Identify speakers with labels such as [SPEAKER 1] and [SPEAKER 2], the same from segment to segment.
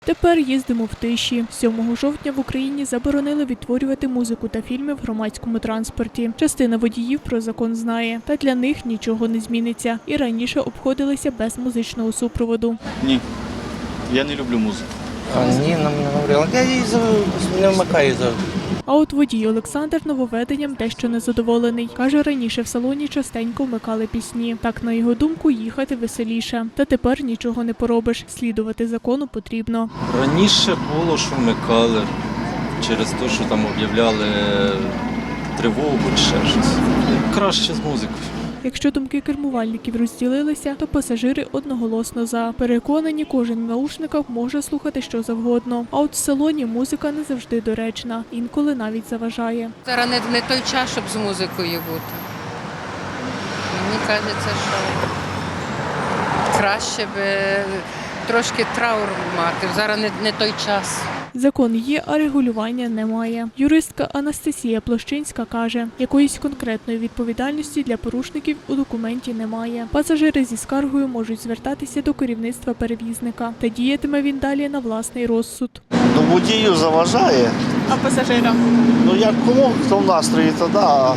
[SPEAKER 1] Тепер їздимо в тиші. 7 жовтня в Україні заборонили відтворювати музику та фільми в громадському транспорті. Частина водіїв про закон знає, та для них нічого не зміниться. І раніше обходилися без музичного супроводу.
[SPEAKER 2] Ні, я не люблю музику.
[SPEAKER 3] Ні, нам не говорили. Я її не вмикаю завжди.
[SPEAKER 1] А от водій Олександр нововведенням дещо незадоволений. Каже, раніше в салоні частенько вмикали пісні. Так, на його думку, їхати веселіше. Та тепер нічого не поробиш. Слідувати закону потрібно.
[SPEAKER 2] Раніше було, що вмикали через те, що там об'являли тривогу чи ще щось. Краще з музикою.
[SPEAKER 1] Якщо думки кермувальників розділилися, то пасажири одноголосно за. Переконані, кожен в наушниках може слухати що завгодно. А от в салоні музика не завжди доречна, інколи навіть заважає.
[SPEAKER 4] Зараз не той час, щоб з музикою бути. Мені кажеться, що краще б трошки траур мати. Зараз не той час.
[SPEAKER 1] Закон є, а регулювання немає. Юристка Анастасія Площинська каже, якоїсь конкретної відповідальності для порушників у документі немає. Пасажири зі скаргою можуть звертатися до керівництва перевізника. Та діятиме він далі на власний розсуд.
[SPEAKER 5] Ну, водію заважає.
[SPEAKER 1] А пасажирам?
[SPEAKER 5] Ну, як кому, хто в настрої, то да. А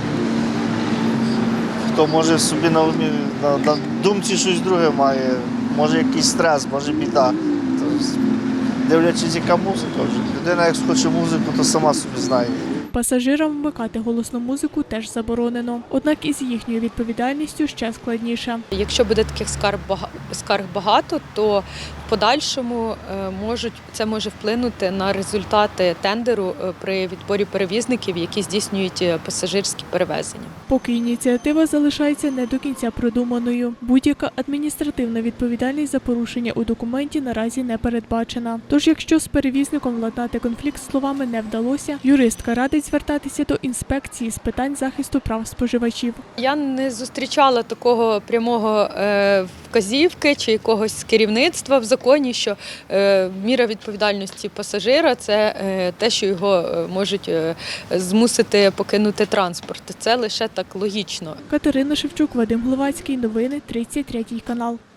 [SPEAKER 5] хто може собі на думці щось друге має, може якийсь стрес, може біда. Дивлячись, яка музика вже. Людина, як хоче музику, то сама собі знає.
[SPEAKER 1] Пасажирам вмикати голосну музику теж заборонено. Однак із їхньою відповідальністю ще складніше.
[SPEAKER 6] Якщо буде таких скарг багато, то в подальшому це може вплинути на результати тендеру при відборі перевізників, які здійснюють пасажирські перевезення.
[SPEAKER 1] Поки ініціатива залишається не до кінця продуманою. Будь-яка адміністративна відповідальність за порушення у документі наразі не передбачена. Тож, якщо з перевізником владнати конфлікт словами не вдалося, юристка радить звертатися до інспекції з питань захисту прав споживачів.
[SPEAKER 6] Я не зустрічала такого прямого вказівки чи якогось з керівництва в законі, що міра відповідальності пасажира – це те, що його можуть змусити покинути транспорт. Це лише так логічно.
[SPEAKER 1] Катерина Шевчук, Вадим Гловацький. Новини 33 канал.